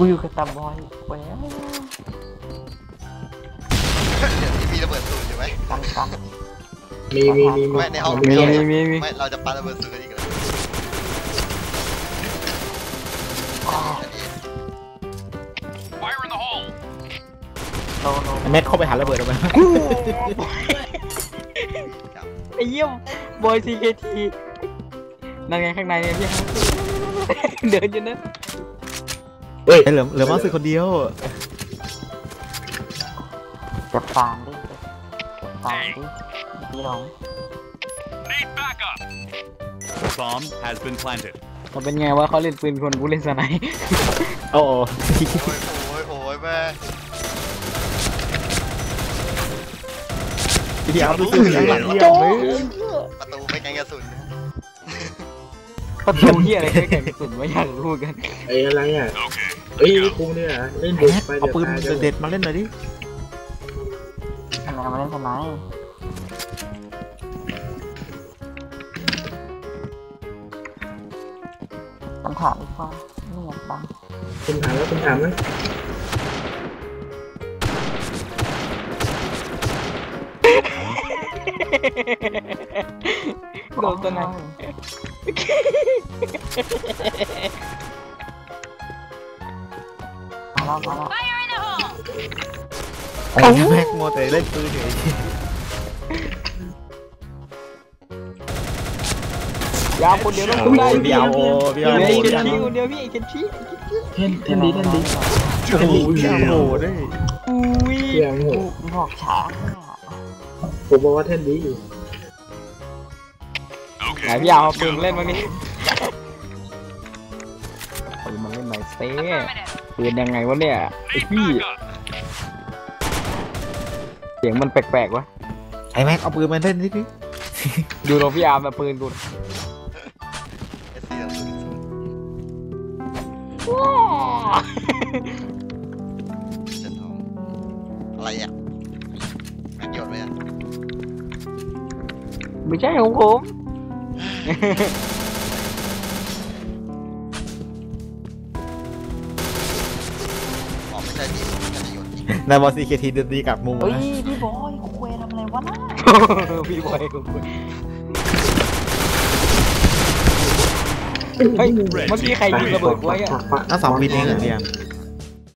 กูอยู่กับตาบอยไปแล้วเดี๋ยวนี้มีระเบิดสูตรอยู่ไหมกันมีไม่ในห้องมีไม่เราจะปาระเบิดสูตรกันอีกเหรอโนเม็ดเข้าไปหาระเบิดออกมาไอ้เยี่ยมบอยซีเคทีนั่นไงข้างในเนี่ยพี่เดินอยู่นั่นเฮ้ยเหลือมาสึกคนเดียวจะฟางดิพี่น้อง Bomb has been planted. มันเป็นไงวะเขาเล่นปืนคนกูเล่นสไนโอ้โหโอ้ยแม่พี่เอาดูสิหลังเยี่ยมเลยประตูไม่ไกลกระสุนประตูเหี้ยอะไรไม่แข่งกระสุนไม่อยากรู้กันไอ้อะไรอ่ะเอ้ยกูเนี่ยเล่นบุกไปเอาปืนเด็ดมาเล่นหน่อยดิทำไมมาเล่นสไนคำถามอีกว่าไม่อยากฟังคุณถามไหมโดนตัวไหนมาแล้วไอ้แม็กโมแต่เล่นปืนอยู่ยาวคนเดียวต้องได้พี่เอาพี่เอาเดียวพี่เอาคนเดียวพี่เคนชี้เท่นดีโอ้โหพี่เอาได้อุ้ยเสียงโหบอกช้าผมบอกว่าเท่นดีไหนพี่ยาวเอาปืนเล่นบ้างนี่ปืนมันเล่นไหนเซ่ปืนยังไงวะเนี่ยไอพี่เสียงมันแปลกๆวะไอ้แม็กเอาปืนมาเล่นนิดดิดูเราพี่อาร์มแบบปืนกูเอสซีกระสุนเส้นทองอะไรอ่ะแม็กโยนไหมอ่ะไม่ใช่ของผมอ๋อไม่ใช่ดิผมจะโยนจริงนายบอลซีเคทีเดินดีกับมุมเฮ้ยนะพี่บอยคุยทำอะไรวะน่ะพี่บอยคุยเฮ้ยเมื่อกี้ใครยิงระเบิดไว้อะทั้งสองวินเองเหรอพี่